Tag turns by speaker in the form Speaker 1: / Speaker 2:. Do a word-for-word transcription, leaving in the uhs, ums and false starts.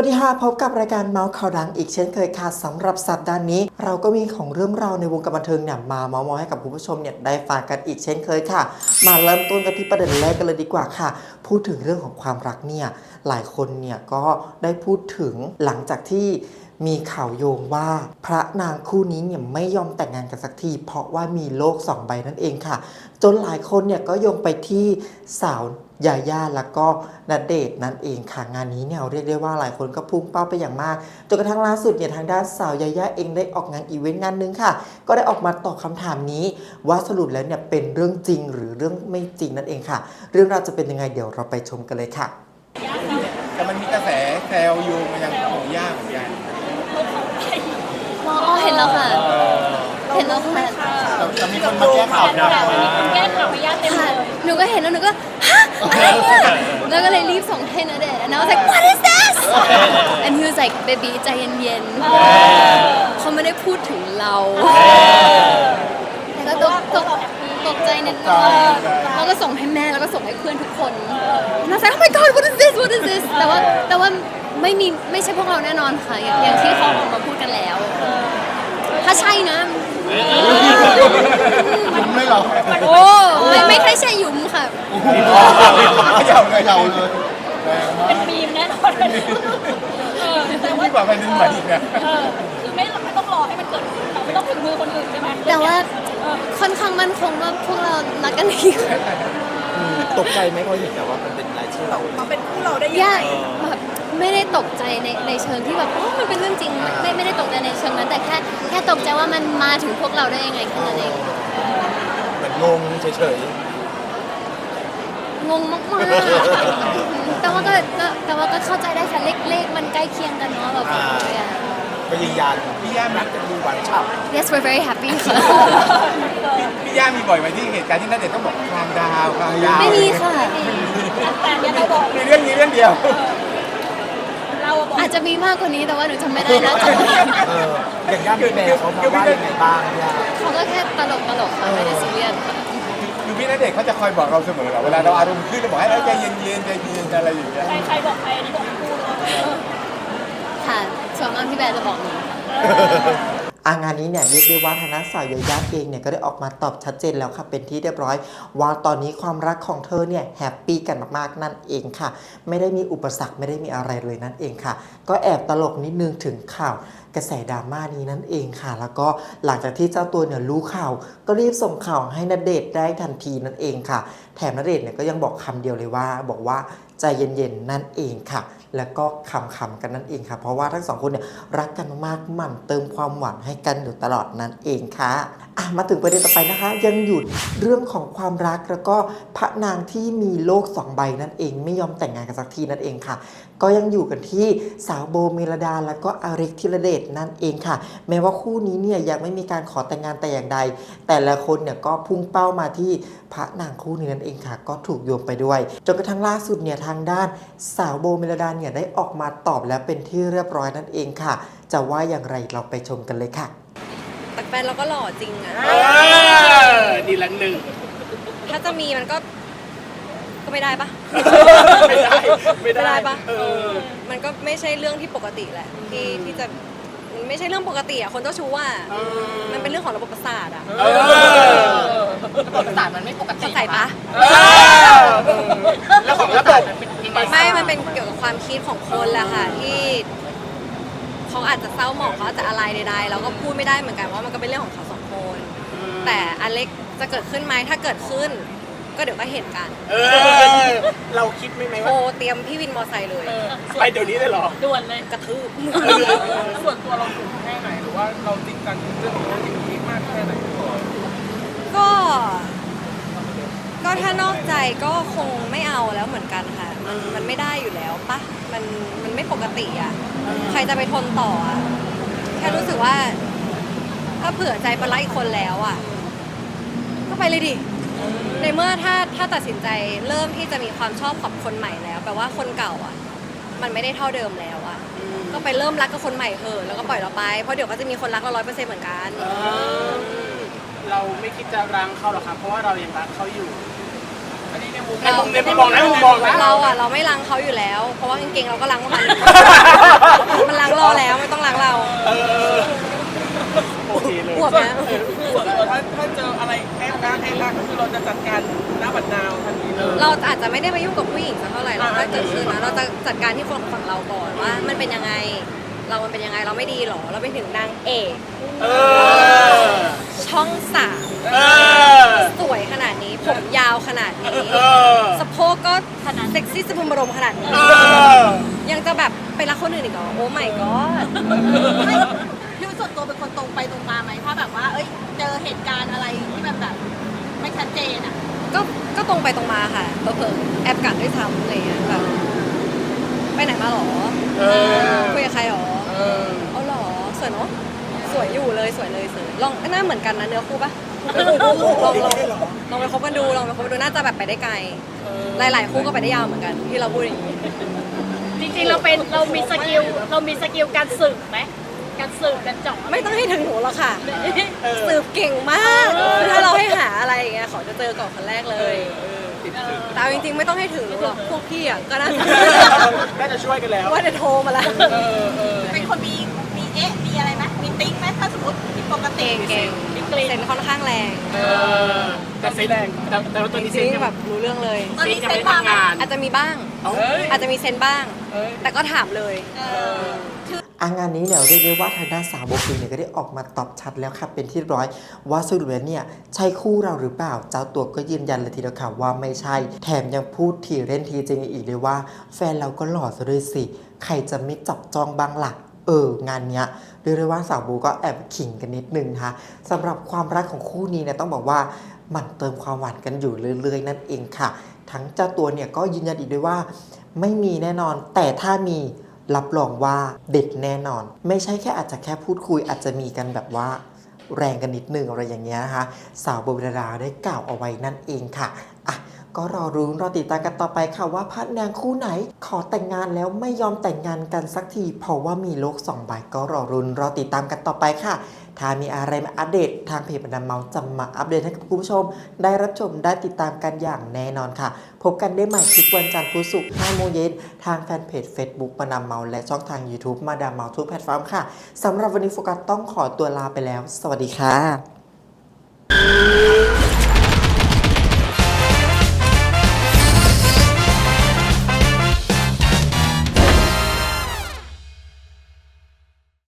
Speaker 1: วัสดีค่ะพบกับรายการเมาส์ข่าวดังอีกเช่นเคยค่ะสำหรับสัปดาห์นี้เราก็มีของเรื่องราวในวงการบันเทิงเนี่ยมาเมาส์มอยให้กับคุณผู้ชมเนี่ยได้ฟังกันอีกเช่นเคยค่ะมาเริ่มต้นกันที่ประเด็นแรกกันเลยดีกว่าค่ะพูดถึงเรื่องของความรักเนี่ยหลายคนเนี่ยก็ได้พูดถึงหลังจากที่มีข่าวโยงว่าพระนางคู่นี้เนี่ยไม่ยอมแต่งงานกันสักทีเพราะว่ามีโลกสองใบนั่นเองค่ะจนหลายคนเนี่ยก็โยงไปที่สาวยาย่าแล้วก็ณเดชน์นั่นเองค่ะงานนี้เนี่ยเรียกได้ว่าหลายคนก็พุ่งเป้าไปอย่างมากจนกระทั่งล่าสุดเนี่ยทางด้านสาวยาย่าเองได้ออกงานอีเวนต์งานนึงค่ะก็ได้ออกมาตอบคำถามนี้ว่าสรุปแล้วเนี่ยเป็นเรื่องจริงหรือเรื่องไม่จริงนั่นเองค่ะเรื่องราวจะเป็นยังไงเดี๋ยวเราไปชมกันเลยค่ะ
Speaker 2: แต่มันมีกระแสแซวโยงมายังหมูย่าเหมือนกัน
Speaker 3: อ๋อเห็นแล้วค่ะเห็นแล้วค่ะ
Speaker 2: แต่มีคนมาแก้ข่าวนะ
Speaker 3: มีคนแก้ข่าวพยาเต็มเลยหนูก็เห็นแล้วหนูก็ฮะอะไรเนี่ยแล้วก็เลยรีบส่งให้ณเดชน์ and I was like what is this and he was like baby ใจเย็นๆเขาไม่ได้พูดถึงเราแล้วก็ตกตกตกใจนิดนึงแล้วก็ส่งให้แม่แล้วก็ส่งให้เพื่อนทุกคน and I was like oh my god what is this what is this แต่ว่าแต่ว่าไม่มีไม่ใช่พวกเราแน่นอนค่ะอย่างที่เขาออกมาพูดกันแล้วถ้าใช่นะ
Speaker 2: ยุ่มไม่หรอ
Speaker 3: โอ้ไม่ไม่ใช่ใช่ยุ่มค่ะ
Speaker 2: เยาเลยเยาเลย
Speaker 3: เป็นมีมแน่นอน
Speaker 2: แต่ว่าแบบเป็นใหม่อีกนะ
Speaker 3: คือไม่ไม่ต้องรอให้มันเกิดไม่ต้องถึงมือคนอื่นใช่ไหมแต่ว่าค่อนข้างมั่นคงว่าพวกเรารักกันดี
Speaker 2: ตกใจไหมพอเห็นแต่ว่ามันเป็นรายชื่อเรา
Speaker 3: มาเป็นคู่เราได้ยังไงแบบไม่ได้ตกใจในในเชิงที่แบบโอ้มันเป็นเรื่องจริงไม่ไม่ได้ตกใจในเชิงนั้นแต่แค่แค่ตกใจว่ามันมาถึงพวกเราได้ยังไงแค่นั้นเอง
Speaker 2: เหมือนงงเฉย
Speaker 3: ๆงงมากๆแต่ว่าก็แต่ว่าก็เข้าใจได้ค่ะเลขเลขมันใกล้เคียงกันเนาะแบบ
Speaker 2: ก็ยืนยันพี่ย่ารักกันดูหวานฉ่ำ
Speaker 3: Yes we're very happy ค่ะ
Speaker 2: พี่ย่ามีบ่อยไหมที่เหตุการณ์ที่ณเดชน์ต้องบอกคลางดาวคลางดาว
Speaker 3: ไม่มีค่ะแต่ยังไม่บอก
Speaker 2: มีเรื่องนี้เรื่องเดียว
Speaker 3: อาจจะมีมากกว่านี้แต่ว่าหนูจำไม่ได้นะจำ
Speaker 2: อย่างย่าพี่แม่เขาบอกว่ายังไงบ้างย่า
Speaker 3: เขาก็แค่ตลกตลกค่ะไม่ได้ซีเรียสค่ะ
Speaker 2: คือพี่ณเดชน์เขาจะคอยบอกเราเสมอเหรอเวลาเราอารมณ์ขึ้นเราบอกให้เราใจเย็นๆใจเย็นอะไรอย่างเงี้ย
Speaker 3: ใครๆบอกใครอันนี้บอกคู่ค่ะส่วนมากพี่แบร์จะบอกหนู
Speaker 1: อางานนี้เนี่ยเรียกได้ว่าทางด้านสาวยาย่าเองเนี่ยก็ได้ออกมาตอบชัดเจนแล้วค่ะเป็นที่เรียบร้อยว่าตอนนี้ความรักของเธอเนี่ยแฮปปี้กันมากๆนั่นเองค่ะไม่ได้มีอุปสรรคไม่ได้มีอะไรเลยนั่นเองค่ะก็แอบตลกนิดนึงถึงข่าวกระแสดราม่านี้นั่นเองค่ะแล้วก็หลังจากที่เจ้าตัวเนี่ยรู้ข่าวก็รีบส่งข่าวให้ณเดชน์ได้ทันทีนั่นเองค่ะแถมณเดชน์เนี่ยก็ยังบอกคำเดียวเลยว่าบอกว่าใจเย็นๆนั่นเองค่ะแล้วก็คำๆกันนั่นเองค่ะเพราะว่าทั้งสองคนเนี่ยรักกันมากๆหมั่นเติมความหวานให้กันอยู่ตลอดนั่นเองค่ะอ่ะมาถึงประเด็นต่อไปนะคะยังหยุดเรื่องของความรักแล้วก็พระนางที่มีโลกสองใบนั่นเองไม่ยอมแต่งงานกันสักทีนั่นเองค่ะก็ยังอยู่กันที่สาวโบเมลดาแล้วก็อาเล็กธีรเดชนั่นเองค่ะแม้ว่าคู่นี้เนี่ยยังไม่มีการขอแต่งงานแต่อย่างใดแต่ละคนเนี่ยก็พุ่งเป้ามาที่พระนางคู่นี้นั่นเองค่ะก็ถูกโยงไปด้วยจนกระทั่งล่าสุดเนี่ยทางด้านสาวโบเมลดาเนี่ยได้ออกมาตอบแล้วเป็นที่เรียบร้อยนั่นเองค่ะจะว่าอย่างไรเราไปชมกันเลยค่ะ
Speaker 4: แต่แฟนเราก็หล่อจริงอะ
Speaker 2: ดีละหนึ่ง
Speaker 4: ถ้าจะมีมันก็ก็ไม่ได้ปะ
Speaker 2: ไม่ได้ไม่ได้
Speaker 4: ปะมันก็ไม่ใช่เรื่องที่ปกติแหละที่ที่จะมันไม่ใช่เรื่องปกติอะคนเจ้าชู้อะมันเป็นเรื่องของระบบประสาทอะ
Speaker 3: ระบบประสาทมันไม่ปกติ
Speaker 4: เข้าใจปะ
Speaker 2: แล้วของระบบ
Speaker 4: ไม่มันเป็นเกี่ยวกับความคิดของคนแหละค่ะที่เขาอาจจะเศร้าหมองเขาอาจจะอะไรใดๆเราก็พูดไม่ได้เหมือนกันว่ามันก็เป็นเรื่องของเขาสองคนแต่อเล็กจะเกิดขึ้นไหมถ้าเกิดขึ้นก็เดี๋ยวก็เห็นกัน
Speaker 2: เราคิดไม่ไหม
Speaker 4: ว่าโทรเตรียมพี่วินมอไซค์เลย
Speaker 2: ไปเดี๋ยวนี้เลยเหรอ
Speaker 3: ด่วนเลย
Speaker 4: กระทืบ
Speaker 2: ส่วนตัวเราถูกแค่ไหนหรือว่าเราจริงจังเรื่องนี้มากแค่ไหน
Speaker 4: ก็ก็ถ้านอกใจก็คงไม่เอาแล้วเหมือนกันค่ะมันมันไม่ได้อยู่แล้วปะมันมันไม่ปกติอ่ะใครจะไปทนต่ออ่ะแค่รู้สึกว่าถ้าเผื่อใจไปรักอีกคนแล้วอ่ะก็ไปเลยดิในเมื่อถ้าถ้าตัดสินใจเริ่มที่จะมีความชอบกับคนใหม่แล้วแปลว่าคนเก่าอ่ะมันไม่ได้เท่าเดิมแล้วอ่ะก็ไปเริ่มรักกับคนใหม่เถอะแล้วก็ปล่อยเราไปเพราะเดี๋ยวก็จะมีคนรักเราร้อยเปอร์เซ็นต์เหมือนกัน
Speaker 2: เราไม่คิดจะรังเขาหรอกครับเพราะว่าเรายังรักเขาอยู่อันนี้ในมุมในมุมในพี่บอกนะมุมบอกนะ
Speaker 4: เราอ่ะเราไม่รังเขาอยู่แล้วเพราะว่ากางเกงเราก็รังมันมันล้างรอแล้วไม่ต้องล้างเรา
Speaker 2: เออโอเคเลย
Speaker 4: อวบไหม
Speaker 5: ส่วนตัวถ้าถ้าเจออะไรแอบอ้างแอบอ้างก็คือเราจะจัดการหน้าบัดนาวทันทีเลย
Speaker 4: เราอาจจะไม่ได้ไปยุ่งกับผู้หญิงสักเท่าไหร่เราถ้าเกิดขึ้นนะเราจะจัดการที่คนฝั่งเราก่อนว่ามันเป็นยังไง เรามันเป็นยังไงเราไม่ดีหรอเราไปถึงนางเอก
Speaker 2: เออ
Speaker 4: ช่องสาม
Speaker 2: เออ
Speaker 4: สวยขนาดนี้ผมยาวขนาดนี้
Speaker 2: เออ
Speaker 4: สะโพกก็ขนาดเซ็กซี่สะพรึงบรมขนาดนี้
Speaker 2: เออ
Speaker 4: ยังจะแบบไปรักคนอื่นอีกเหรอโอ้ไม่ก็
Speaker 6: พี่ส่วนตัวเป็นคนตรงไปตรงมาไหมถ้าแบบว่า เอ้ย เจอเหตุการณ์อะไรที่มันแบบไม่ชัดเจนอ่ะ
Speaker 4: ก็ก็ตรงไปตรงมาค่ะเผลอๆแอบกัดด้วยซ้ำอะไรอย่างเงี้ยแบบไปไหนมาหรอ
Speaker 2: เออ
Speaker 4: คุยกับใครหรอ
Speaker 2: เออ
Speaker 4: เอาหรอสวยเนาะสวยอยู่เลยสวยเลยสวยลองหน้าเหมือนกันนะเนื้อคู่ปะลองลองลองไปคบกันดูลองไปคบกันดูน่าจะแบบไปได้ไกล หลายๆคู่ก็ไปได้ยาวเหมือนกันที่เราพูดอย่างนี้
Speaker 7: จริงๆ เราเป็นเรามีสกิลเรามีสกิลการสืบไหมการสืบการเจาะ
Speaker 4: ไม่ต้องให้ถึงหนูหรอกค่ะสืบเก่งมากถ้าเราให้หาอะไรอย่างเงี้ยขอจะเจอก่อนคนแรกเลยแต่เอาจริงๆไม่ต้องให้ถึงหนูหรอกพวกพี่อ่ะก็น่าจะ
Speaker 2: น่าจะช่วยกันแล้ว
Speaker 4: ว่าจะโทรมาแล้ว
Speaker 2: เออเออ
Speaker 6: เป็นคนมีมีเอ๊ะ มีอะไรไหมมีติ๊กไหมถ้าสมมติผิดปกติ
Speaker 4: เก่งเก่งเซนค่อนข้างแรง
Speaker 2: เออแต่เซนแรงแต่แต่ว่าตัวนี้
Speaker 4: จ
Speaker 2: เซ
Speaker 4: ริ
Speaker 2: น
Speaker 4: ง
Speaker 2: ยัง
Speaker 4: ๆแบบรู้เรื่องเลย
Speaker 6: ตอน
Speaker 2: เซน
Speaker 6: นี้
Speaker 2: ยัง
Speaker 6: เซ็
Speaker 2: ไม่
Speaker 6: นมา
Speaker 2: ทำงาน
Speaker 4: อาจจะมีบ้าง
Speaker 2: เอ้ย
Speaker 4: อาจจะมีเซนบ้าง แต่ก็ถามเลย
Speaker 6: เออ
Speaker 1: อางานนี้เนี่ยเรียกได้ว่าทางด้านสาวโบฟิลเนี่ยก็ได้ออกมาตอบชัดแล้วค่ะเป็นที่เรียบร้อยว่าสรุปแล้วเนี่ยใช่คู่เราหรือเปล่าเจ้าตัวก็ยืนยันเลยทีเดียวค่ะว่าไม่ใช่ แถมยังพูดทีเล่นทีจริงอีกเลยว่า แฟนเราก็หล่อซะด้วยสิใครจะไม่จับจองบ้างล่ะเอองานเนี้ยเรียกได้ว่าสาวโบก็แอบขิงกันนิดนึงนะคะสำหรับความรักของคู่นี้เนี่ยต้องบอกว่ามันเติมความหวานกันอยู่เรื่อยๆนั่นเองค่ะ ทั้งเจ้าตัวเนี่ยก็ยืนยันอีกด้วยว่า ไม่มีแน่นอนแต่ถ้ามีรับรองว่าเด็ดแน่นอน ไม่ใช่แค่อาจจะแค่พูดคุยอาจจะมีกันแบบว่าแรงกันนิดนึงอะไรอย่างเงี้ยนะคะสาวโบเวลาได้กล่าวเอาไว้นั่นเองค่ะอ่ะก็รอรุ้นรอติดตามกันต่อไปค่ะว่าพระนางคู่ไหน ขอแต่งงานแล้วไม่ยอมแต่งงานกันสักทีเพราะว่ามีโลกสองใบก็รอรุ้นรอติดตามกันต่อไปค่ะถ้ามีอะไรมาอัปเดตทางเพจบรรดาเมาส์จะมาอัปเดตให้กับคุณผู้ชม ได้รับชมได้ติดตามกันอย่างแน่นอนค่ะ พบกันได้ใหม่ทุกวันจันทร์พุธศุกร์ห้าโมงเย็นทางแฟนเพจ Facebook มาดามเมาส์และช่องทาง YouTube มาดามเมาส์ทุกแพลตฟอร์มค่ะสำหรับวันนี้โฟกัสต้องขอตัวลาไปแล้ว สวัสดีค่ะ